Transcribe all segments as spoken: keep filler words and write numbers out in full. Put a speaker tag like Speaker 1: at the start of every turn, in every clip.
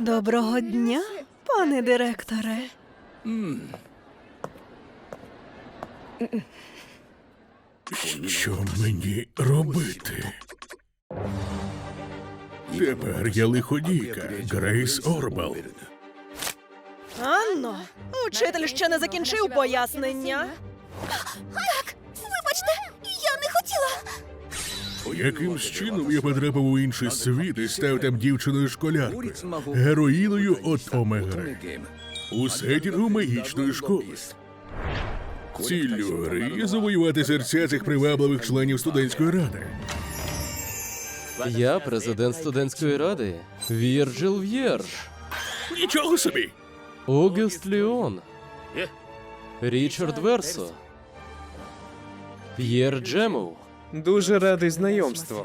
Speaker 1: Доброго дня, пане директоре.
Speaker 2: Що мені робити? Тепер я лиходійка, Грейс Орбал.
Speaker 1: Анно, учитель ще не закінчив пояснення.
Speaker 3: Так, вибачте, я не хотіла.
Speaker 2: Якимсь чином я потрапив у інший світ і став там дівчиною-школяркою, героїною от Омегри. У сетінгу магічної школи. Ціллю гри є завоювати серця цих привабливих членів студентської ради.
Speaker 4: Я президент студентської ради Вірджил В'єрж,
Speaker 2: Нічого собі!
Speaker 4: Огюст Ліон, Річард Версо, П'єр Джемов.
Speaker 5: Дуже радий знайомству.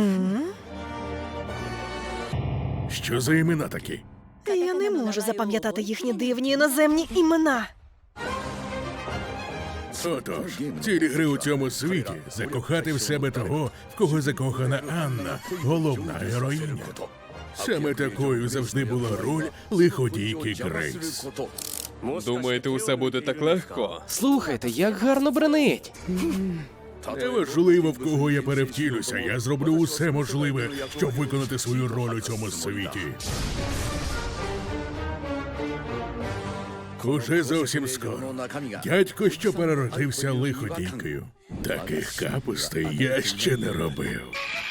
Speaker 2: Що за імена такі?
Speaker 1: Я не можу запам'ятати їхні дивні іноземні імена.
Speaker 2: Отож, цілі гри у цьому світі – закохати в себе того, в кого закохана Анна, головна героїня. Саме такою завжди була роль лиходійки Грейс.
Speaker 5: Думаєте, усе буде так легко?
Speaker 4: Слухайте, як гарно бренить.
Speaker 2: Неважливо, в кого я перевтілюся, я зроблю усе можливе, щоб виконати свою роль у цьому світі. Уже зовсім скоро. Дядько, що переродився лиходійкою. Таких капустей я ще не робив.